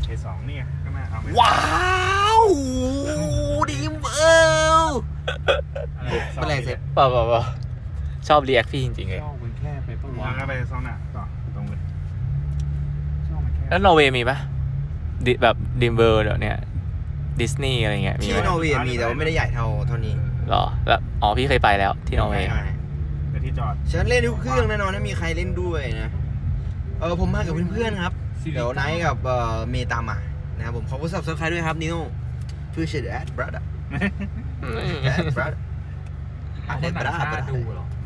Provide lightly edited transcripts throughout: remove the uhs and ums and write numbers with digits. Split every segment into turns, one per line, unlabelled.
K2นี่ไงข้างหน้าเอาไหม
ว้าวดีเออเป็นไรเสร็จ
เปล่าชอบเรียกพี่จริงๆเลย
ชอบมันแค่ไปปะวะแล้วก็ไปซ้อนหน้าต่อตรงเลยชอบมันแค่
แล้วนอร์เวย์มีปะแบบดิมเบอร์เดี๋ยวเนี้ยดิสนีย์อะไรเงี้ยมี
ที่
ไหม
นอร์เวย์มีแต่ว่าไม่ได้ใหญ่เท่านี้
หรอแล้วอ๋อพี่เคยไปแล้วที่นอร์เวย์
เดี๋ยวที่จอด
ฉันเล่นทุกเครื่องแน่นอนถ้ามีใครเล่นด้วยนะผมมากับเพื่อนๆครับเดี๋ยวไนท์กับเมย์ตามมานะครับผมขอบคุณซับสไครต์ด้วยครับนิโน่พื่อเชดแอดบรัดอะแอดบรัดอะเดบรัดดูหรอ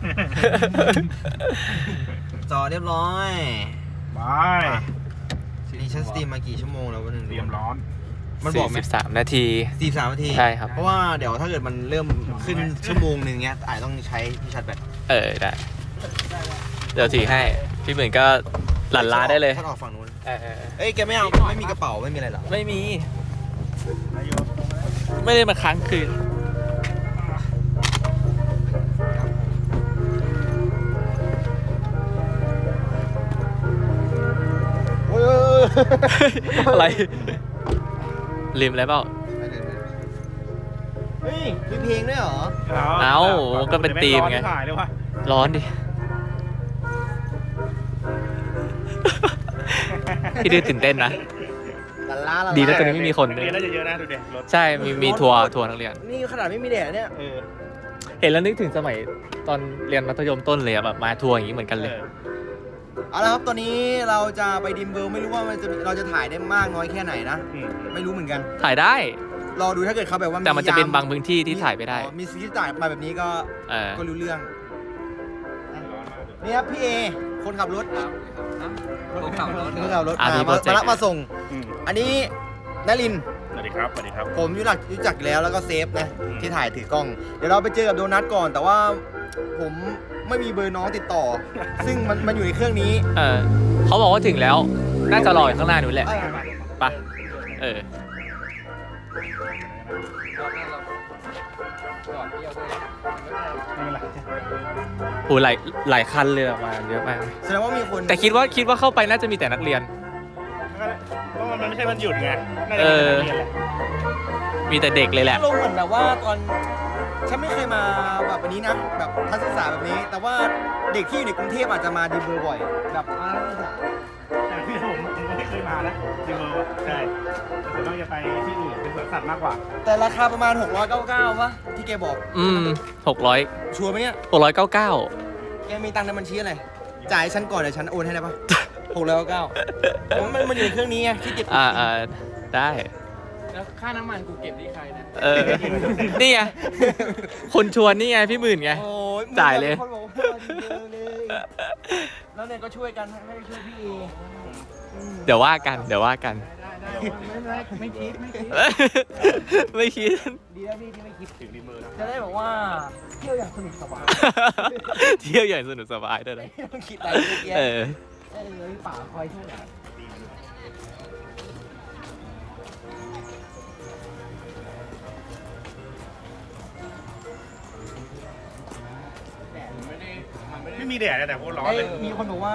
จอเรียบร้อย
บ
นี่ฉันสตรีมมากี่ชั่วโมงแล้ววันนึง
เตรียมร้อน
มันบอกไหม
43 นาที
43 นาที
ใช่ครับ
เพราะว่าเดี๋ยวถ้าเกิดมันเริ่มขึ้นชั่วโมงนึงเงี้ยอาจต้องใช้ที่ชาร์จแบต
ได้เดี๋ยวถือให้พี่เหมือนก็หลั่นล้าได้เลย
ฉันออกฝั่งนู้นเอ้ยแกไม่เอาไม่มีกระเป๋าไม่มีอะไรหรอ
ไม่มี
นายโย
ไม่ได้มาค้างคืนอะไรลืมอะไรเปล่า
เฮ้ยมีเพลงด้วยเหรอ
ก็เป็นธีมไง
ถ่ายเลยว่ะ
ร้อนดิ พี่ดื้อตื่นเต้นนะ ดีแล้วตอนนี้ไม่มีคนเลย
เรียนน่าจะเยอะนะดูเด็กรถ
ใช่มีทัวร์นักเรียน
นี่ขนาดไม่มีแดดเนี่ย
เห็นแล้วนึกถึงสมัยตอนเรียนมัธยมต้นเลยอะแบบมาทัวร์อย่างนี้เหมือนกันเลย
เอาละครับตอนนี้เราจะไปดิมเบิลไม่รู้ว่าเราจะถ่ายได้มากน้อยแค่ไหนนะไม่รู้เหมือนกัน
ถ่ายได้
รอดูถ้าเกิดเขาแบบว่า
แต่มันจะเป็นบางพื้นที่ที่ถ่ายไม่ได้
มีซีรีส์ถ่ายมาแบบนี้ก็รู้เรื่องนี่ครับพี่เอคนขับรถคนขับรถมารับมาส่งอันนี้นลิน
สวัสดีครับสวัสดีครับ
ผมรู้จักแล้วแล้วก็เซฟนะที่ถ่ายถือกล้องเดี๋ยวเราไปเจอกับโดนัทก่อน แต่ว่าผมไม่มีเบอร์น้องติดต่อ ซึ่งมันอยู่ในเครื่องนี้
เขาบอกว่าถึงแล้วน่าจะรออยู่ข้างหน้านู้นแหละไปโอ้หลายคันเลยมาเยอะมาก
แสดงว่ามีคน
แต่คิดว่าเข้าไปน่าจะมีแต่นักเรียน
เพราะมันไม่ใช่วันหยุดไงน่าจะเป็นนักเรียนแหละ
มีแต่เด็กเลยแหละ
ลงเหมือนแบบว่าตอนฉันไม่เคยมาแบบนี้นะแบบทัศนศึกษาแบบนี้ แต่ว่าเด็กที่อยู่ในกรุงเทพอาจจะมาดีเบอร์บ่อยแบบมาทัศนศึกษา
แต่ที่ผมไม่เคยมานะดีเบอร์ใช่แต่ต้องจะไปที่อื่นเป็นสวนสัตว์มากกว่า
แต่ราคาประมาณ699วะที่แกบอก
600
ชัวร์ไหมเนี่ย
699
แกมีตังค์ในบัญชีอะไรจ่ายฉันก่อนเดี๋ยวฉันโอนให้ได้ปะ699มันอยู่ในเครื่องนี้ไงที่เก็บ
ได้
แล้วค่าน้ำมันกูเก็บที่ใครนะ
นี่ไงคนชวนนี่ไงพี่หมื่นไงจ่ายเลย
แล้วเนี่ยก็ช่วยกันให้ช่วยพี่เอ
เดี๋ยวว่ากัน
ไม่คิด
ดีแล้วพี่ที่ไม่คิดถึงดีมือจะได้บอกว่าเที่ยวอย่างสนุกสบาย
ด้วยนะ
ไม่ต้องคิดอะไรเยอะแยะป่าคอยช่วย
ไม่มีแดดแต่โคตรร้อนเลย
มีคนบอกว่า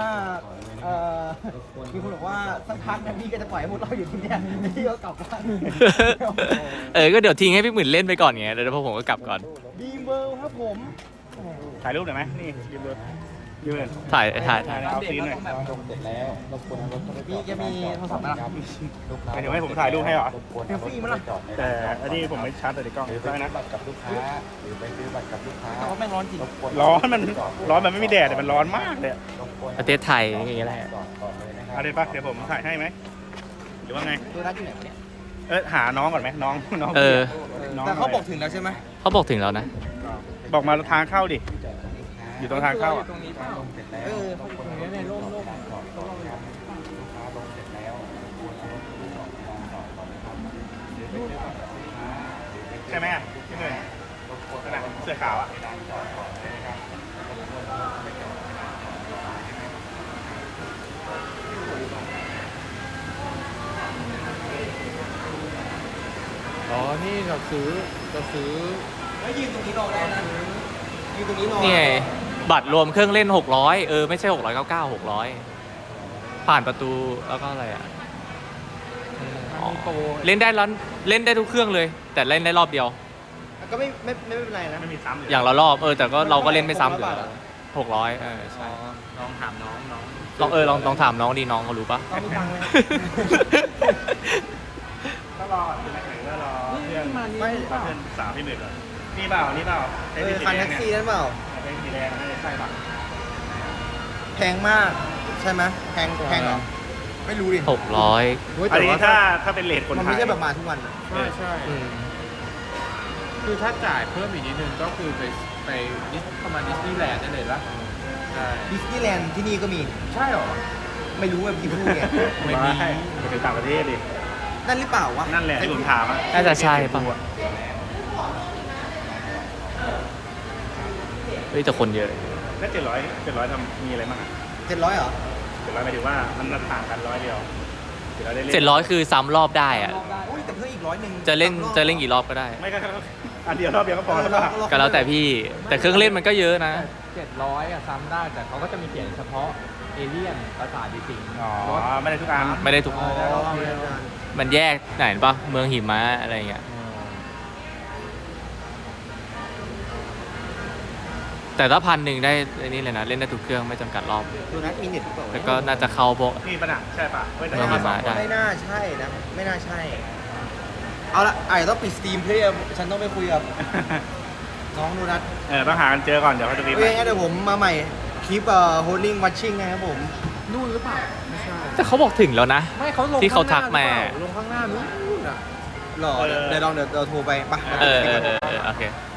สักพักนะพี่ก็จะปล่อยให้พวกเราอยู่ที่นี่พี่ก็กลับบ้าน
ก็เดี๋ยวทิ้งให้พี่หมื่นเล่นไปก่อนไงเดี๋ยวพวกผมก็กลับก่อน
ดีเบอร์ครับผม
ถ่ายรูปหน่อยไหมนี่ดีเบอร์ยืน
ถ่าย
เอาซีนหน่อย
พี่แกมีโทรศัพท์ไหมล่ะ
เดี๋ยวให้ผมถ่ายรูปให้เหรอ
เซลฟี่มั้ยล่ะ
แต่อันนี้ผมไม่ชาร์จแต่ในกล้องได้นะ
กับลูกค้าหรือไปซื้อบัตรกับลูกค้าแต่ว่าแม่งร้อนจริง
ร้อนมันไม่มีแดดแต่มันร้อนมากเลย
ประเทศไทยอย่างเงี้ยแหละ
เอาเลยปะเดี๋ยวผมถ่ายให้ไหมหรือว่าไง
ตัวนั้นอยู่ไหนเนี่ย
หาน้องก่อนไหมน้อง
แต่เขาบอกถึงแล้วใช่ไหม
เขาบอกถึงแล้วนะ
บอกมาทางเข้าดิอยู่ตรงทางเข้า
ตรงนี้ป่ะตรงนี้ในร่ม
ใช่ไหมที่หนึ่งเสื้อขาว
นี่เราซื้อ
แล้วยืนตรงนี้รอได้นะยืนตรงนี้รอ
นี่ไงบัตรรวมเครื่องเล่น600ไม่ใช่699 600ผ่านประตูแล้วก็อะไร
โปร
เล่นได้ร้อนเล่นได้ทุกเครื่องเลย แต่เล่นได้รอบเดียว
ก็ไม่เป็นไรนะ
ไม่มีซ้ำเลย
อย่างละรอบแต่ก็เราก็เล่นไม่ซ้ำอยู่
600
แล้ว600ใช่
ลองถามน้อง
ลองถามน้องดีน้องเขารู้ปะ
ต้องมีตังค์เลย
ก็รอที่ไหนก็รอเพื่อน
มานี่
เพื่อนสาวพี่หมื่นก่อนนี่เปล่านี่เปล่าไอ้ที่สี
คัน
แด
แท็
ง
ก
เนี่
ซี่
ย
นั่นเปล่า
ไอ้สีแดงนั่นใช่ป่ะ
แพงมาก ใช่ไหมแพงเหรอ ไม่รู้ดิ
600
เฮ้ย
อัน
แต่
นี้
ว่า
ถ้าเป็นเลทคน
มัน
ไท
ไม่
ย
ใช่แบบมาทุกวันอะ
ใช่
อืม
คือถ้าจ่ายเพิ่มอีกนิดนึงก็คือไปประมาณดิสนีย์แลนด์ได้เลยปะใช่
ดิสนีย์แลนด์ที่นี่ก็มี
ใช่หรอ
ไม่รู้ว่าพี่พูดไง
ไม่มี
ไปถึงต่างประเทศดิ
นั่นหรือเปล่าวะ
นั่นแหละที่ผมถามอ่ะ
น่าจะใช่ป่ะเฮ้ยแต่คนเยอะ
แล้ว700ทำมีอะไรบ้างอ่ะ
700เหรอ
700หมายถึงว่ามันต่างกัน100เดียว700ได้เล่น
700คือซ้ำรอบได้อะ
อุ้ยแต่เพิ่มอีก100
จะเล่นกี่รอบก็ได้
ไม่ก็อันเดียวรอบเดียวก็พอแล้วป่ะ
ก็แล้วแต่พี่แต่เครื่องเล่นมันก็เยอะนะ
700อะซ้ำได้แต่เขาก็จะมีเขียนเฉพาะเอเลี่ยนภาษาดิสิง
อ๋อไม่ได้ทุกอัน
ไม่ได้ทุก
ได้รอบเดียว
มันแยกไหนปะเมืองหิมะอะไรเงี้ยแต่ถ้า1,000ได้ไอ้นี่เลยนะเล่นได้ทุกเครื่องไม่จำกัดรอบ
ดูนัดมีเน็ตหรือเปล่า
แล้วก็น่าจะเข้าพวก
นี่ป่ะน่ะใช่ป่ะไม่ได้
เมืองหิมะได้
ไม่น่าใช่นะ ไม่น่าใช่ เอาละอาจจะต้องปิดสตรีมเพื่อฉันต้องไปคุยกับน้องดูนัด
ต้องหากันเจอก่อนเดี๋ยวเขาจะรีบ
เอ้ยงั้นเดี๋ยวผมมาใหม่คลิปholding watching นะครับผม
นู่นหรือเปล่าไม่ใช่
แต่เขาบอกถึงแล้วนะ
ไม่เขาลง
ที่เขาทักมา
ลงข้างหน้านู้นอ่ะ
หรอเดี๋ยวเราโทรไปปะ
โอเค